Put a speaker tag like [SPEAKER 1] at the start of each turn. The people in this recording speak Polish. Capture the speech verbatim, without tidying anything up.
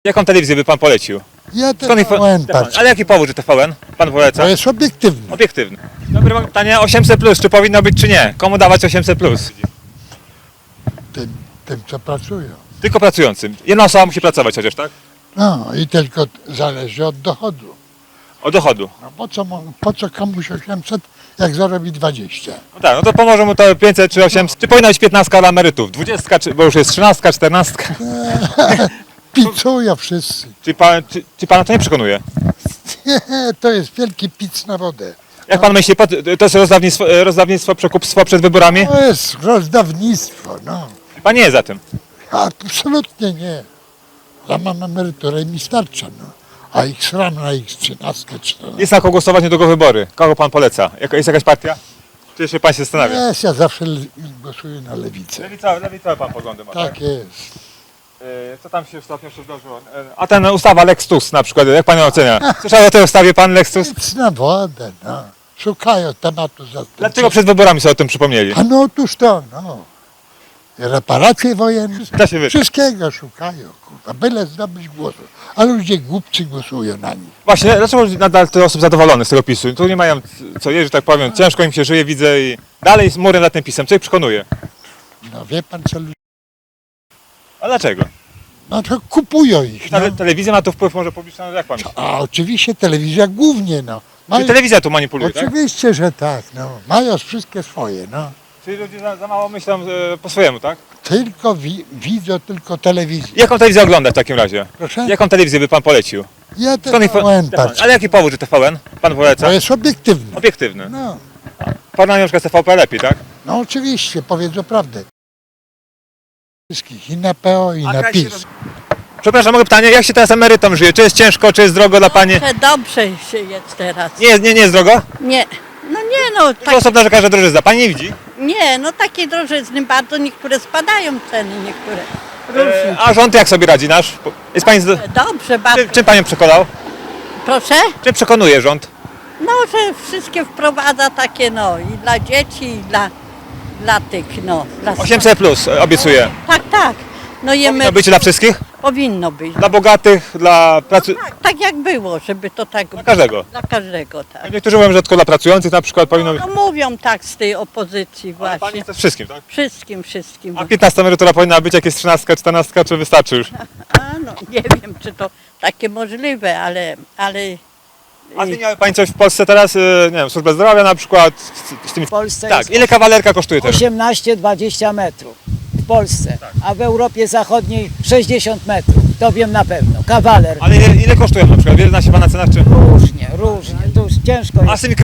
[SPEAKER 1] Jaką telewizję by pan polecił?
[SPEAKER 2] Ja
[SPEAKER 1] Skąd info-
[SPEAKER 2] T V N patrzę.
[SPEAKER 1] Ale jaki powód, że T V N pan poleca?
[SPEAKER 2] To jest obiektywne.
[SPEAKER 1] Obiektywny. Dobre mam pytanie, osiemset plus, czy powinno być, czy nie? Komu dawać osiemset plus?
[SPEAKER 2] Tym, tym, co pracują.
[SPEAKER 1] Tylko pracującym. Jedna osoba musi pracować chociaż, tak?
[SPEAKER 2] No i tylko zależy od dochodu.
[SPEAKER 1] Od dochodu.
[SPEAKER 2] No po co, mu- po co komuś osiemset, jak zarobi dwadzieścia?
[SPEAKER 1] No tak, no to pomoże mu to pięćset czy osiemset. Czy powinna być piętnastka dla emerytów? dwudziestka, czy, bo już jest trzynastka, czternastka.
[SPEAKER 2] Picują wszyscy.
[SPEAKER 1] Czy, pan, czy, czy pana to nie przekonuje?
[SPEAKER 2] To jest wielki pic na wodę.
[SPEAKER 1] Jak pan myśli, po- to jest rozdawnictwo, rozdawnictwo, przekupstwo przed wyborami?
[SPEAKER 2] To jest rozdawnictwo, no.
[SPEAKER 1] Pan nie jest za tym.
[SPEAKER 2] Absolutnie nie. Ja mam emeryturę i mi starcza, no. A ich sram na ich trzynastkę, czternastkę.
[SPEAKER 1] Jest na kogo głosować, niedługo wybory. Kogo pan poleca? Jaka- Jest jakaś partia? Czy jeszcze pan się zastanawia?
[SPEAKER 2] Jest, ja zawsze le- głosuję na lewicę.
[SPEAKER 1] Lewicowe, lewicowe pan poglądy ma,
[SPEAKER 2] Tak jest.
[SPEAKER 1] Yy, Co tam się ostatnio jeszcze zdarzyło? Yy, A ten ustawa Lex Tusk na przykład, jak pan ją ocenia? Słyszał o tej ustawie pan Lex Tusk?
[SPEAKER 2] Nic na wodę, no. Szukają tematu za
[SPEAKER 1] Dlaczego przed wyborami sobie o tym przypomnieli?
[SPEAKER 2] A no otóż to, no. I reparacje wojenne,
[SPEAKER 1] Da się wyczuć.
[SPEAKER 2] wszystkiego szukają, kurwa, byle zdobyć głosu. A ludzie głupcy głosują na nich.
[SPEAKER 1] Właśnie, dlaczego nadal tyle osób zadowolonych z tego PiSu? Tu nie mają co jeść, że tak powiem, ciężko im się żyje, widzę i dalej z murem nad tym PiSem. Co ich przekonuje?
[SPEAKER 2] No wie pan co ludzie,
[SPEAKER 1] A dlaczego?
[SPEAKER 2] no to kupują ich, no.
[SPEAKER 1] Tele, telewizja ma tu wpływ może publiczny, no jak pan myśli?
[SPEAKER 2] A oczywiście telewizja głównie, no.
[SPEAKER 1] Czy
[SPEAKER 2] Mają,
[SPEAKER 1] telewizja tu manipuluje, tak?
[SPEAKER 2] oczywiście, że tak, no. Mają wszystkie swoje, no.
[SPEAKER 1] Czyli ludzie za, za mało myślą e, po swojemu, tak?
[SPEAKER 2] Tylko wi widzą tylko telewizję.
[SPEAKER 1] Jaką telewizję ogląda w takim razie?
[SPEAKER 2] Proszę?
[SPEAKER 1] Jaką telewizję by pan polecił?
[SPEAKER 2] Ja
[SPEAKER 1] Skąd info-
[SPEAKER 2] T V N patrzę.
[SPEAKER 1] Ale jaki powód, że T V N pan poleca?
[SPEAKER 2] To jest obiektywne.
[SPEAKER 1] Obiektywny.
[SPEAKER 2] No,
[SPEAKER 1] Porównanie na przykład z T V P lepiej, tak?
[SPEAKER 2] no oczywiście, powiedzą prawdę. Wszystkich, i na P O, i
[SPEAKER 1] A
[SPEAKER 2] na
[SPEAKER 1] kraj się
[SPEAKER 2] PiS.
[SPEAKER 1] roz- Przepraszam, mogę pytanie, jak się teraz emerytom żyje? Czy jest ciężko, czy jest drogo dla pani?
[SPEAKER 3] Dobrze, dobrze się jest teraz.
[SPEAKER 1] Nie, nie, nie jest drogo?
[SPEAKER 3] Nie, no nie no,
[SPEAKER 1] Dużo
[SPEAKER 3] tak,
[SPEAKER 1] osób narzeka, że drożyzna. Pani nie widzi?
[SPEAKER 3] nie, no takie drożyzny bardzo, niektóre spadają ceny, niektóre różnie.
[SPEAKER 1] E, a rząd jak sobie radzi nasz? Jest pani z...
[SPEAKER 3] Dobrze, bardzo.
[SPEAKER 1] czym, czym panią przekonał?
[SPEAKER 3] Proszę?
[SPEAKER 1] Czym przekonuje rząd?
[SPEAKER 3] No, że wszystkie wprowadza takie no i dla dzieci, i dla, dla tych no. Dla
[SPEAKER 1] osiemset plus e, obiecuje.
[SPEAKER 3] Tak, tak. No jemy,
[SPEAKER 1] Powinno być dla wszystkich?
[SPEAKER 3] powinno być.
[SPEAKER 1] Dla bogatych, dla pracy...
[SPEAKER 3] Tak, tak jak było, żeby to tak
[SPEAKER 1] Dla każdego.
[SPEAKER 3] Dla każdego, tak.
[SPEAKER 1] Niektórzy mówią, że tylko dla pracujących na przykład powinno być.
[SPEAKER 3] No mówią tak z tej opozycji
[SPEAKER 1] Ale pani
[SPEAKER 3] właśnie.
[SPEAKER 1] chce wszystkim, tak?
[SPEAKER 3] Wszystkim, wszystkim.
[SPEAKER 1] A piętnasta emerytura powinna być, jak jest trzynastka, czternastka, czy wystarczy już?
[SPEAKER 3] A no, nie wiem, czy to takie możliwe, ale, ale
[SPEAKER 1] A zmieniały pani coś w Polsce teraz? e, Nie wiem, służbę zdrowia na przykład? Z, z tymi...
[SPEAKER 4] W Polsce
[SPEAKER 1] Tak,
[SPEAKER 4] jest
[SPEAKER 1] ile kawalerka kosztuje teraz?
[SPEAKER 4] osiemnaście dwadzieścia metrów w Polsce, a w Europie Zachodniej sześćdziesiąt metrów. To wiem na pewno. Kawaler.
[SPEAKER 1] Ale ile, ile kosztują na przykład? Wiele zna się pan na cenach, czy...
[SPEAKER 4] Różnie, różnie. Tu już ciężko
[SPEAKER 1] A
[SPEAKER 4] jest.
[SPEAKER 1] z tymi